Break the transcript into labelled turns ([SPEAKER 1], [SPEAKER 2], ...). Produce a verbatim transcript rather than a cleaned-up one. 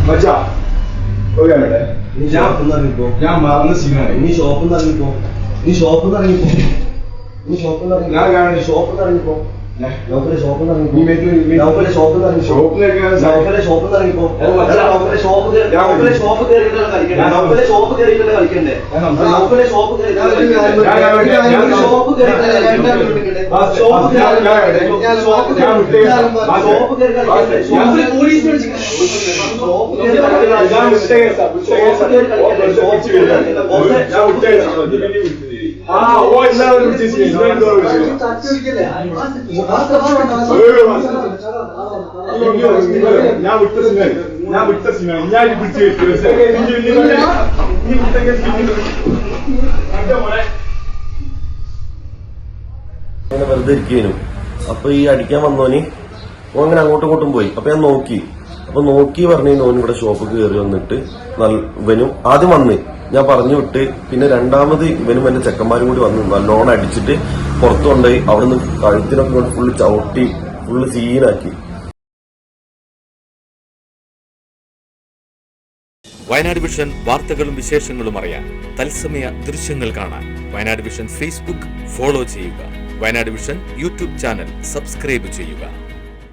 [SPEAKER 1] മച്ചാ ഒരു കാര്യം
[SPEAKER 2] നീ ഷോപ്പിൽ നിന്ന് ഇറങ്ങിപ്പോ.
[SPEAKER 1] ഞാൻ മറന്ന സീനാണ്.
[SPEAKER 2] നീ ഷോപ്പിൽ നിന്ന് ഇറങ്ങിപ്പോ. നീ ഷോപ്പിൽ നിന്ന് ഇറങ്ങിപ്പോ. നീ ഷോപ്പിൽ നിന്ന് ഇറങ്ങി.
[SPEAKER 1] ഞാൻ കാണുന്നു.
[SPEAKER 2] ഷോപ്പിൽ നിന്ന് ഇറങ്ങിപ്പോ. നൗഫലെ ഷോപ്പിൽ നിന്ന് ഇറങ്ങിപ്പോ.
[SPEAKER 1] നീ മേത്ത്
[SPEAKER 2] നൗഫലെ ഷോപ്പിൽ നിന്ന് ഇറങ്ങിപ്പോ.
[SPEAKER 1] ഷോപ്പിലേക്ക്
[SPEAKER 2] നൗഫലെ ഷോപ്പിൽ നിന്ന് ഇറങ്ങിപ്പോ. നൗഫലെ ഷോപ്പ് കയറി. നൗഫലെ ഷോപ്പ് കയറിയിട്ടല്ല കളിക്കണ്ടേ. നൗഫലെ ഷോപ്പ് കയറിയിട്ടല്ല കളിക്കണ്ടേ. നൗഫലെ ഷോപ്പ് കയറിയിട്ടല്ല ഷോപ്പ് കയറിയിട്ടല്ല കളിക്കണ്ടേ. ഷോപ്പ് ഷോപ്പ് കയറി കളിക്കണ്ടേ. പോലീസ് വിളിച്ചിട്ട് ഷോപ്പ് കയറി
[SPEAKER 1] ആ ഓ എല്ലാവരും ഞാൻ വിട്ട സിനിമ ഞാൻ വിട്ട സിനിമ ഞാൻ പിടിച്ചു
[SPEAKER 3] വെറുതെ ഇരിക്കേനു. അപ്പൊ ഈ അടിക്കാൻ വന്നോന് ഓ അങ്ങനെ അങ്ങോട്ടും ഇങ്ങോട്ടും പോയി. അപ്പൊ ഞാൻ നോക്കി. അപ്പൊ നോക്കി പറഞ്ഞു ഓൻ ഇവിടെ ഷോപ്പ് കയറി വന്നിട്ട് ഇവനും ആദ്യം വന്ന് ഞാൻ പറഞ്ഞു വിട്ട്. പിന്നെ രണ്ടാമത് ഇവനും എന്റെ ചെക്കന്മാരും കൂടി വന്ന് നല്ലോണം അടിച്ചിട്ട് പുറത്തു കൊണ്ടുപോയി. അവിടുന്ന് കഴുത്തിനൊക്കെ കൊണ്ട് ഫുള്ള് ചവിട്ടി ഫുള്ള് സീനാക്കി.
[SPEAKER 4] വയനാട് വിഷൻ വാർത്തകളും വിശേഷങ്ങളും അറിയാൻ തത്സമയ ദൃശ്യങ്ങൾ കാണാൻ വയനാട് വിഷൻ ഫേസ്ബുക്ക് ഫോളോ ചെയ്യുക. Wayanad vision YouTube channel subscribe ചെയ്യുക.